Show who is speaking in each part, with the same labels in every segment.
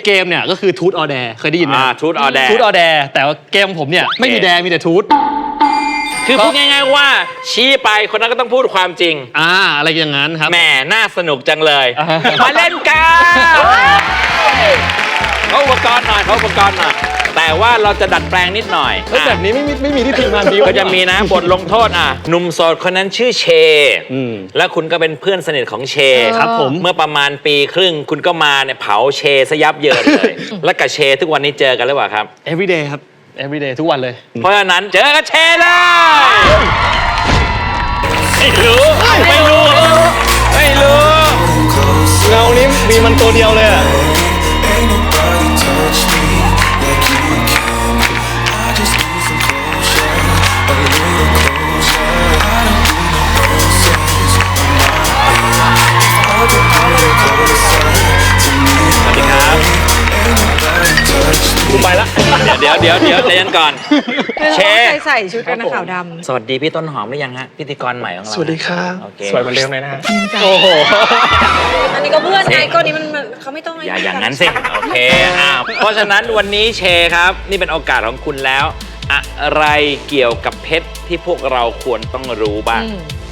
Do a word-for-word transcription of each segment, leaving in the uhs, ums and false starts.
Speaker 1: เกมเนี่ยก็คือทูตออแดเคยได้ยินไหม
Speaker 2: อ่าทูตออแด
Speaker 1: ทูตออแดแต่ว่าเกมผมเนี่ยไม่มีแดมีแต่ทูต
Speaker 2: คือพูดง่ายๆว่าชี้ไปคนนั้นก็ต้องพูดความจริง
Speaker 1: อ่าอะไรอย่างนั้นครับ
Speaker 2: แหมน่าสนุกจังเลย
Speaker 1: อ่า
Speaker 2: มาเล่นกันเขาอุปกรณ์หน่อยเขาอุปกรณ์หน่อยแต่ว่าเราจะดัดแปลงนิดหน่อย
Speaker 1: เฮ้ยแบบนี้ไม่มีไม่มีที่ทีมงานดี
Speaker 2: ก็จะมีนะบทลงโทษอ่ะหนุ่มโสดคนนั้นชื่อเช
Speaker 1: อืม
Speaker 2: แล้วคุณก็เป็นเพื่อนสนิทของเช
Speaker 1: ครับผม
Speaker 2: เมื่อประมาณปีครึ่งคุณก็มาเนี่ยเผาเชซะยับเยินเลย แล้วกับเชทุกวันนี้เจอกันหรือเปล่าครับ
Speaker 1: everyday ครับ everyday ทุกวันเลย
Speaker 2: เพราะฉะนั้นเจอกับเชเลยไม่รู้ไม่รู้ไม่รู้
Speaker 1: เงานี้มีมันตัวเดียวเลยอะ
Speaker 3: Ain't nobody touch me like you can. I just need some closure, a little closure. I don't need no roses on my bed. If I get a little closer to me,
Speaker 2: สวัสดีครับ
Speaker 3: ain't nobody touch me.
Speaker 1: กูไปละ
Speaker 2: เดี๋ยวเดี๋ยวเดี๋ยวเดี๋ยวเรียนก่อน เช
Speaker 4: ใส่ใส่ชุดกันนะขาวดำ
Speaker 2: สวัสดีพี่ต้นหอมหรือยังฮะพิธีกรใหม่ของเรา
Speaker 5: สวัสดีครับ
Speaker 2: โอเค
Speaker 5: สวยเหมือนเดิมเลยนะฮะ
Speaker 1: โอ้โห
Speaker 4: อันนี้ก็เพื่อนไงก็นี้มันมันเขาไม่ต้อง
Speaker 2: อย่าอย่างนั้นสิ โอเคอ่าเพราะฉะนั้นวันนี้เชครับ นี่เป็นโอกาสของคุณแล้ว อะไรเกี่ยวกับเพชรที่พวกเราควรต้องรู้บ้าง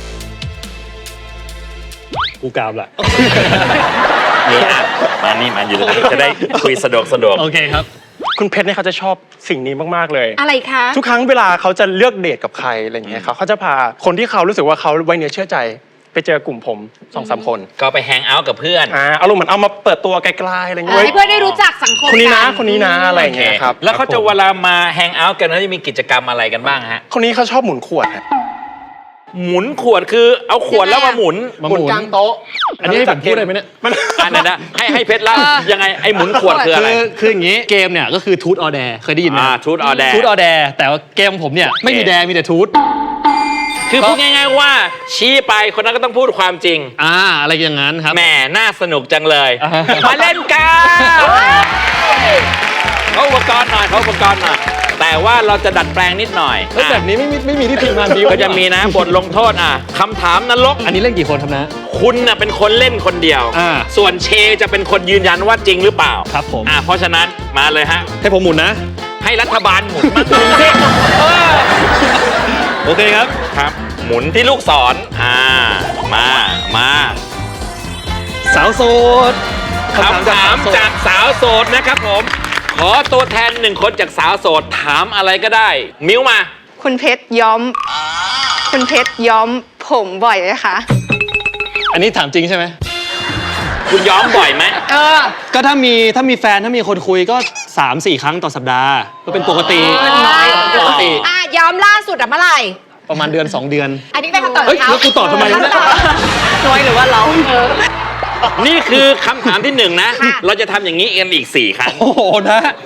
Speaker 1: กูกราบละ
Speaker 2: นี่อ่ะมานี่มาอยู่ตรงนี้จะได้คุยสะดวกสะดวก
Speaker 1: โอเคครับ
Speaker 5: คุณเพชรเนี่ยเขาจะชอบสิ่งนี้มากๆเลย
Speaker 4: อะไรคะ
Speaker 5: ทุกครั้งเวลาเขาจะเลือกเดทกับใครอะไรอย่างเงี้ยเขาเขาจะพาคนที่เขารู้สึกว่าเขาไว้เนื้อเชื่อใจไปเจอกลุ่มผมสองสามคน
Speaker 2: ก็ไปแฮงเอาท์กับเพื่อน
Speaker 5: อ่าเอารมณ์เหมือนเอามาเปิดตัวไกลๆอะไรอย่างเงี้ย
Speaker 4: ให้เพื่อนได้รู้จักสังคม
Speaker 5: คนนี้นะ
Speaker 4: กั
Speaker 5: คนนี้นะอะไรอย่างเงี้ยครับ
Speaker 2: แล้วเขาจะ
Speaker 5: ครับผม
Speaker 2: เวลามาแฮงเอาท์กันเขาจะมีกิจกรรมอะไรกันบ้างฮะ
Speaker 5: คนนี้เขาชอบหมุนขวดฮะ
Speaker 2: หมุนขวดคือเอาขวดแล้วมาหมุน
Speaker 1: มาหมุน
Speaker 5: กลางโต๊ะ
Speaker 1: อันนี้ให้ผมพูดได้ไหมเนี่ย
Speaker 5: มัน
Speaker 2: อันนั้นนะให้ให้เพชรเล่ายังไงไอ้หมุนขวดคืออะไร
Speaker 1: คือคืออย่างนี้เกมเนี่ยก็คือทูตออแดเคยได้ยินไหม
Speaker 2: อ่าทูตออแด
Speaker 1: ทูตออแดแต่ว่าเกมผมเนี่ยไม่มีแดมีแต่ทูต
Speaker 2: คือพูดง่ายๆว่าชี้ไปคนนั้นก็ต้องพูดความจริง
Speaker 1: อ่าอะไรอย่างนั้นครับ
Speaker 2: แหมน่าสนุกจังเลย
Speaker 1: อ่า
Speaker 2: มาเล่นกันเขาอุปกรณ์หน่อยเขาอุปกรณ์หน่อยแต่ว่าเราจะดัดแปลงนิดหน่อย
Speaker 1: เฮ้ยแบบนี้ไม่มีไม่มีที่ทีมงานดี
Speaker 2: ก็จะมีนะบทลงโทษอ่ะคำถามนรก
Speaker 1: อันนี้เล่นกี่คนครับนะ
Speaker 2: คุณน่ะเป็นคนเล่นคนเดียว
Speaker 1: อ่า
Speaker 2: ส่วนเชจะเป็นคนยืนยันว่าจริงหรือเปล่า
Speaker 1: ครับผม
Speaker 2: อ่าเพราะฉะนั้นมาเลยฮะ
Speaker 1: ให้ผมหมุนนะ
Speaker 2: ให้รัฐบาลหมุนมาหมุนสิเออ
Speaker 1: โอเคครับ
Speaker 2: ครับ หมุนที่ลูกศรอ่ามามา
Speaker 1: สาวโสด
Speaker 2: คำถามจากสาวโสดนะครับผม ขอตัวแทนหนึ่งคนจากสาวโสดถามอะไรก็ได้ มิ้วมา
Speaker 6: คุณเพชรย้อม คุณเพชรย้อมผมบ่อยไหมคะ
Speaker 1: อันนี้ถามจริงใช่ไหม
Speaker 2: คุณย้อมบ่อยไหม
Speaker 4: เออ
Speaker 1: ก็ถ้ามีถ้ามีแฟนถ้ามีคนคุยก็ สามสี่ ครั้งต่อสัปดาห์ก็เป็นปกติปกติ
Speaker 4: อ่ะย้อมล่าสุดอะเมื่อไหร่
Speaker 1: ประมาณเดือนสองเดือน
Speaker 4: อันนี้เป็นคำตอบ
Speaker 1: เฮ้ย
Speaker 4: ของเขา
Speaker 1: แล้วกูตอบทำไมวะเนี่ย
Speaker 4: น้อยหรือว่าเรา
Speaker 2: นี่คือคำถามที่หนึ่งนะ เราจะทำอย่างนี้กันอีกสี่ครั้ง
Speaker 1: โอ้โหนะ